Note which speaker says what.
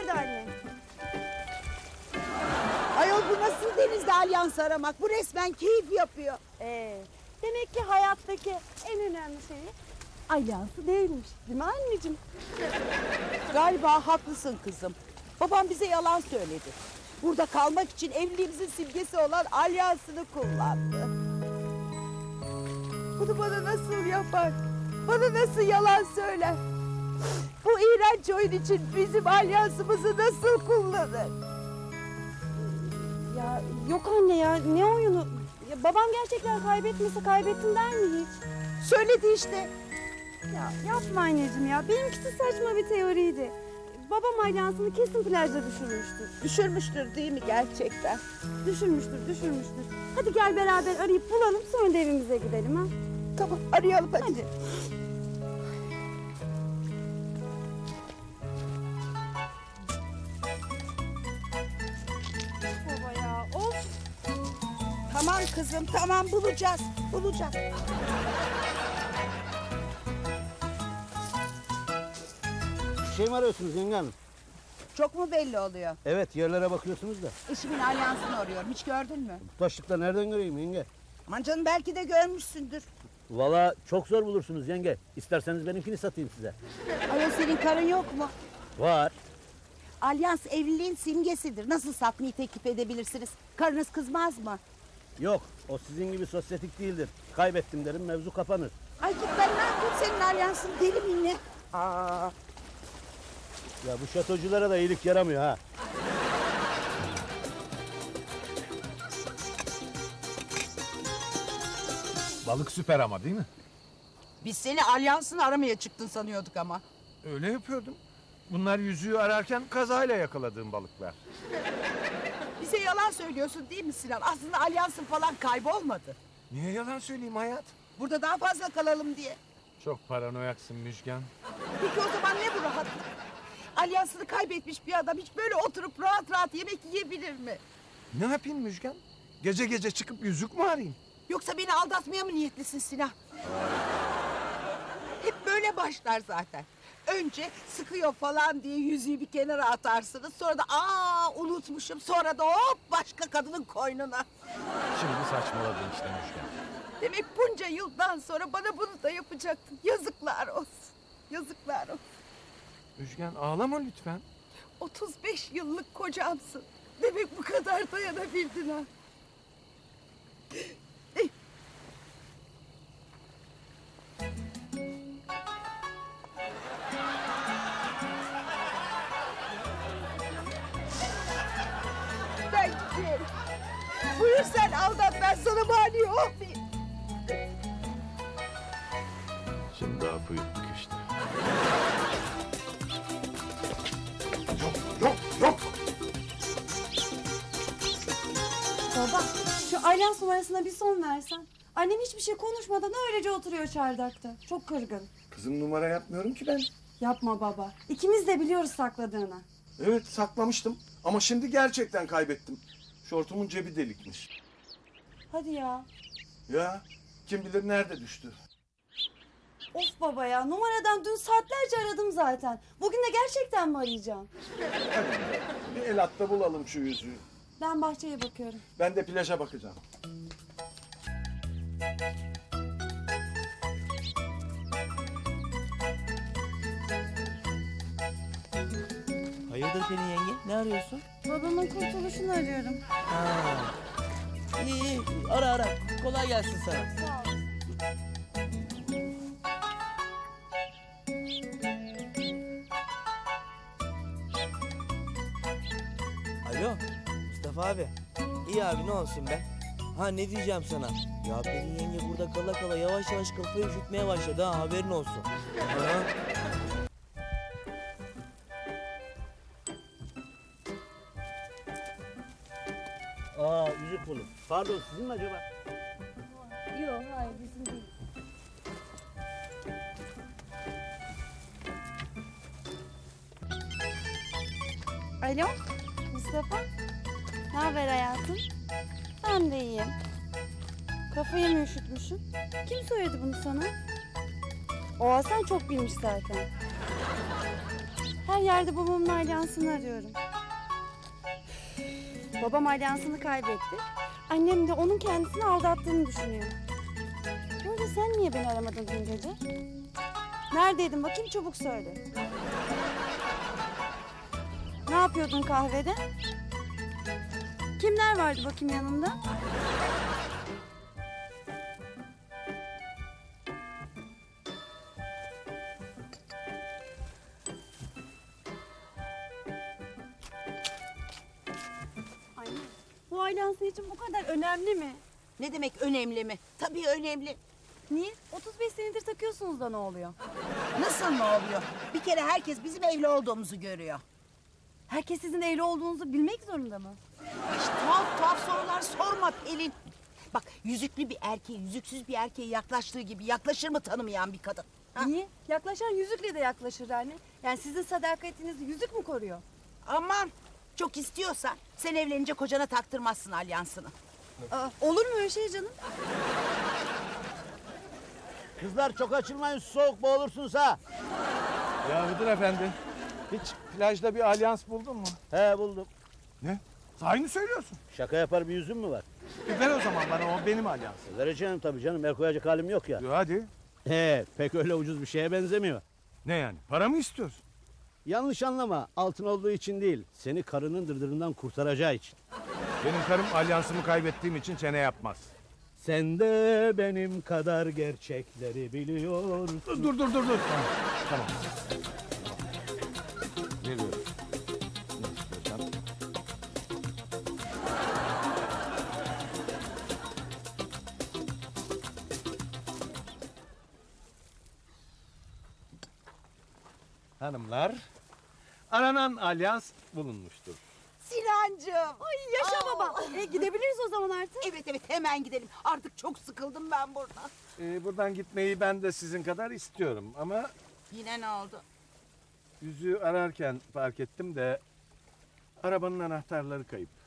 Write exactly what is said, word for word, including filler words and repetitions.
Speaker 1: Nerede anne?
Speaker 2: Ayol bu nasıl denizde alyans aramak? Bu resmen keyif yapıyor.
Speaker 1: Ee, demek ki hayattaki en önemli şey alyansı değilmiş. Değil mi anneciğim?
Speaker 2: Galiba haklısın kızım. Babam bize yalan söyledi. Burada kalmak için evliliğimizin simgesi olan alyansını kullandı. Bunu bana nasıl yapar? Bana nasıl yalan söyler? Bu iğrenç oyun için bizim alyansımızı nasıl kullanır?
Speaker 1: Ya yok anne ya, ne oyunu? Ya, babam gerçekten kaybetmese kaybettin der mi hiç?
Speaker 2: Söyledi işte.
Speaker 1: Ya yapma anneciğim ya, benimkisi saçma bir teoriydi. Babam alyansını kesin plajda düşürmüştür.
Speaker 2: Düşürmüştür değil mi gerçekten?
Speaker 1: Düşürmüştür, düşürmüştür. Hadi gel beraber arayıp bulalım, sonra da evimize gidelim ha.
Speaker 2: Tamam arayalım hadi.
Speaker 1: Hadi. Baba ya, of.
Speaker 2: Tamam kızım tamam bulacağız. Bulacağız.
Speaker 3: Bir şey mi arıyorsunuz yenge hanım?
Speaker 2: Çok mu belli oluyor?
Speaker 3: Evet, yerlere bakıyorsunuz da.
Speaker 2: Eşimin alyansını arıyorum. Hiç gördün mü?
Speaker 3: Bu taşlıkta nereden göreyim yenge?
Speaker 2: Aman canım belki de görmüşsündür.
Speaker 3: Valla çok zor bulursunuz yenge. İsterseniz benimkini satayım size.
Speaker 2: Ayol senin karın yok mu?
Speaker 3: Var.
Speaker 2: Alyans evliliğin simgesidir. Nasıl satmayı teklif edebilirsiniz? Karınız kızmaz mı?
Speaker 3: Yok, o sizin gibi sosyetik değildir. Kaybettim derim, mevzu kapanır.
Speaker 2: Ay git ben ne yapayım senin alyansın deli miyim ne? Aa,
Speaker 3: Ya bu şatoculara da iyilik yaramıyor ha.
Speaker 4: Balık süper ama değil mi?
Speaker 2: biz seni alyansını aramaya çıktın sanıyorduk ama.
Speaker 4: Öyle yapıyordum. Bunlar yüzüğü ararken kazayla yakaladığım balıklar.
Speaker 2: Bize yalan söylüyorsun değil mi Sinan? Aslında alyansın falan kaybolmadı.
Speaker 4: Niye yalan söyleyeyim hayat?
Speaker 2: Burada daha fazla kalalım diye.
Speaker 4: Çok paranoyaksın Müjgan.
Speaker 2: Peki o zaman ne bu rahatlık? Alyansını kaybetmiş bir adam hiç böyle oturup rahat rahat yemek yiyebilir mi?
Speaker 4: Ne yapayım Müjgan? Gece gece çıkıp yüzük mü arayayım?
Speaker 2: Yoksa beni aldatmaya mı niyetlisin Sinan? Hep böyle başlar zaten. Önce sıkıyor falan diye yüzüğü bir kenara atarsınız. Sonra da aa unutmuşum. Sonra da hop başka kadının koynuna.
Speaker 4: Şimdi saçmaladın işte Müjgan.
Speaker 2: Demek bunca yıldan sonra bana bunu da yapacaktın. Yazıklar olsun. Yazıklar olsun.
Speaker 4: Müjgan ağlama lütfen.
Speaker 2: otuz beş yıllık kocamsın. Demek bu kadar dayanabildin ha. Eh. Ben gidiyorum. Buyur sen aldat ben sana mani olmayayım.
Speaker 4: Şimdi hapı yuttuk işte. Yok yok yok.
Speaker 1: Baba, şu alyans numarasına bir son versen. Annem hiçbir şey konuşmadan öylece oturuyor çardakta. Çok kırgın.
Speaker 4: Kızım numara yapmıyorum ki ben.
Speaker 1: Yapma baba. İkimiz de biliyoruz sakladığını.
Speaker 4: Evet saklamıştım ama şimdi gerçekten kaybettim. Şortumun cebi delikmiş.
Speaker 1: Hadi ya.
Speaker 4: Ya kim bilir nerede düştü.
Speaker 1: Of baba ya, numaradan dün saatlerce aradım zaten. Bugün de gerçekten mi arayacağım?
Speaker 4: Bir el atta bulalım şu yüzüğü.
Speaker 1: Ben bahçeye bakıyorum.
Speaker 4: Ben de plaja bakacağım.
Speaker 5: Hayırdır Pelin yenge? Ne arıyorsun?
Speaker 1: Babamın kurtuluşunu arıyorum.
Speaker 5: Ha. İyi iyi. Ara ara. Kolay gelsin sana.
Speaker 1: Sağ ol.
Speaker 5: Alo. Mustafa abi. İyi abi ne olsun be? Ha ne diyeceğim sana? Ya Pelin yenge burada kala kala yavaş yavaş kafayı üşütmeye başladı ha, haberin olsun. Ha?
Speaker 3: Aa, yüzük buldum. Pardon, sizin mi acaba?
Speaker 1: Yok hayır bizim değil. Alo Mustafa. Ne haber hayatım? Ben de iyiyim. Kafayı mı üşütmüşsün? Kim söyledi bunu sana? O Hasan çok bilmiş zaten. Her yerde babamın alyansını arıyorum. Babam alyansını kaybetti. Annem de onun kendisini aldattığını düşünüyor. Bu arada sen niye beni aramadın dün gece? Neredeydin bakayım, çabuk söyle. Ne yapıyordun kahvede? Kimler vardı bakayım yanında? Anne, bu ailans için bu kadar önemli mi?
Speaker 2: Ne demek önemli mi? Tabii önemli.
Speaker 1: Niye? otuz beş senedir takıyorsunuz da ne oluyor?
Speaker 2: Nasıl ne oluyor? Bir kere herkes bizim evli olduğumuzu görüyor.
Speaker 1: Herkes sizin evli olduğunuzu bilmek zorunda mı?
Speaker 2: İşte tuhaf tuhaf sorular sorma Pelin. Bak yüzüklü bir erkeğe yüzüksüz bir erkeğe yaklaştığı gibi yaklaşır mı tanımayan bir kadın? Ha?
Speaker 1: Niye? Yaklaşan yüzükle de yaklaşır anne. Yani sizin sadakatinizi yüzük mü koruyor?
Speaker 2: Aman çok istiyorsan sen evlenince kocana taktırmazsın alyansını.
Speaker 1: Aa, olur mu öyle şey canım?
Speaker 3: Kızlar çok açılmayın, soğuk boğulursunuz ha.
Speaker 4: Ya müdür efendi, hiç plajda bir alyans buldun mu?
Speaker 3: He buldum.
Speaker 4: Ne? Sahi mi söylüyorsun?
Speaker 3: Şaka yapar bir yüzüm mü var?
Speaker 4: E ver o zaman bana, o benim alyansım.
Speaker 3: Vereceğim tabii canım, el koyacak halim yok ya.
Speaker 4: Yo, hadi.
Speaker 3: He, pek öyle ucuz bir şeye benzemiyor.
Speaker 4: Ne yani? Para mı istiyorsun?
Speaker 3: Yanlış anlama, altın olduğu için değil, seni karının dırdırından kurtaracağı için.
Speaker 4: Benim karım alyansımı kaybettiğim için çene yapmaz.
Speaker 3: Sen de benim kadar gerçekleri biliyorsun.
Speaker 4: Dur dur dur dur. Tamam. Tamam. Veriyorum. Ne istiyorsan. Hanımlar, aranan alyans bulunmuştur.
Speaker 2: Sinancığım.
Speaker 1: Ay yaşa
Speaker 2: Aa.
Speaker 1: baba. E, gidebiliriz o zaman artık.
Speaker 2: Evet evet hemen gidelim. Artık çok sıkıldım ben buradan.
Speaker 4: Ee, buradan gitmeyi ben de sizin kadar istiyorum ama
Speaker 2: Yine ne oldu?
Speaker 4: yüzüğü ararken fark ettim de arabanın anahtarları kayıp.